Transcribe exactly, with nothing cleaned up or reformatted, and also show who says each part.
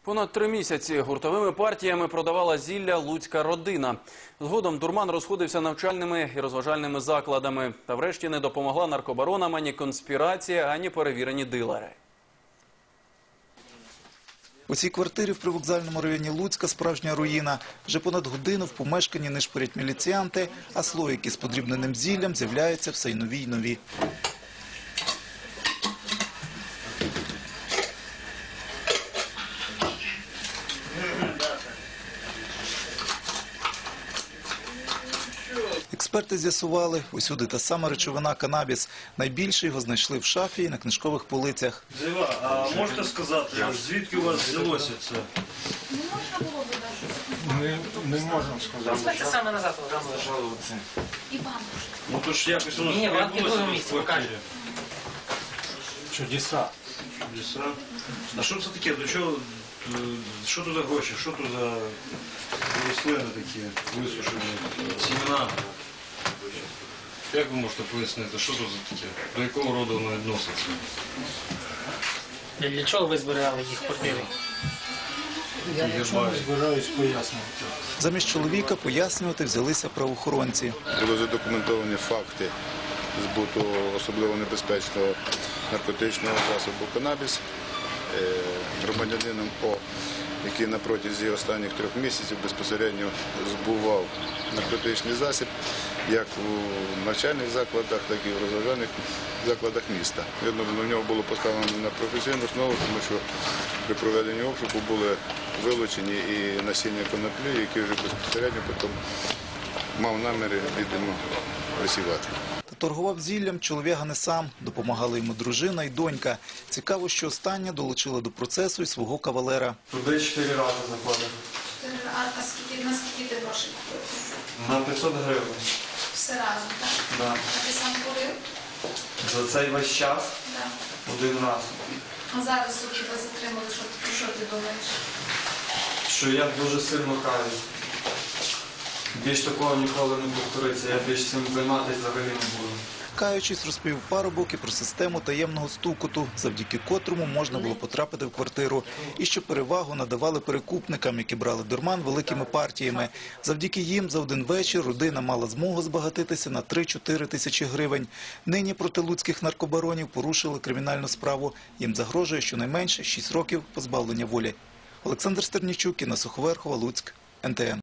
Speaker 1: Понад три місяці гуртовими партіями продавала зілля луцька родина. Згодом дурман розходився навчальними і розважальними закладами. Та врешті не допомогла наркобаронам ані конспірація, ані перевірені дилери.
Speaker 2: У цій квартирі в привокзальному районі Луцька справжня руїна. Вже понад годину в помешканні нишпорять міліціянти, а слоїки з подрібненим зіллям з'являються все й нові й нові. Експерти з'ясували, усюди та сама речовина – канабіс. Найбільше його знайшли в шафі і на книжкових полицях.
Speaker 3: Зіва, а можете сказати, звідки у вас взялося це?
Speaker 4: Не можна було би даже.
Speaker 5: Не, не можемо сказати.
Speaker 6: Це саме назад програму лежало.
Speaker 4: І бабушка.
Speaker 3: Ну то ж якось воно
Speaker 6: Ні, банки в другому місці,
Speaker 3: в квартирі.
Speaker 6: покажи.
Speaker 5: Чудеса.
Speaker 3: Чудеса. А що це таке? До чого? е, Що тут за гроші? Що тут за рослини такі висушені? Сімена? Як ви можете пояснити, що тут за таке? До якого роду воно відноситься?
Speaker 6: Для чого ви збирали їх в квартирі?
Speaker 5: Я нічого не збираюсь пояснювати.
Speaker 2: Замість чоловіка пояснювати взялися правоохоронці.
Speaker 7: Були задокументовані факти збуту особливо небезпечного наркотичного засобу канабіс громадянином О, який на протязі останніх трьох місяців безпосередньо збував наркотичний засіб як у навчальних закладах, так і в розважальних закладах міста. Видно, в нього було поставлено на професійну основу, тому що при проведенні обшуку були вилучені і насіння коноплі, які вже безпосередньо потім мав наміри, відомо, висівати.
Speaker 2: Та торгував зіллям чоловіка не сам. Допомагали йому дружина і донька. Цікаво, що остання долучила до процесу і свого кавалера.
Speaker 8: Туди чотири рази заходив.
Speaker 4: А, а скільки, на скільки ти грошей купив?
Speaker 8: На п'ятсот гривень.
Speaker 4: Все разом, так?
Speaker 8: Да.
Speaker 4: А ти сам курив?
Speaker 8: За цей весь час
Speaker 4: Так.
Speaker 8: один раз.
Speaker 4: А зараз тут тебе затримали, що, про що ти думаєш?
Speaker 8: Що я дуже сильно каюсь. Більш такого ніколи не повториться, я більш цим займатися взагалі не буду.
Speaker 2: Каючись, розповів парубок і про систему таємного стукоту, завдяки котрому можна було потрапити в квартиру. І що перевагу надавали перекупникам, які брали дурман великими партіями. Завдяки їм за один вечір родина мала змогу збагатитися на три-чотири тисячі гривень. Нині проти луцьких наркобаронів порушили кримінальну справу. Їм загрожує щонайменше шість років позбавлення волі. Олександр Стернічук, Інна Суховерхова, Луцьк, ен те ен.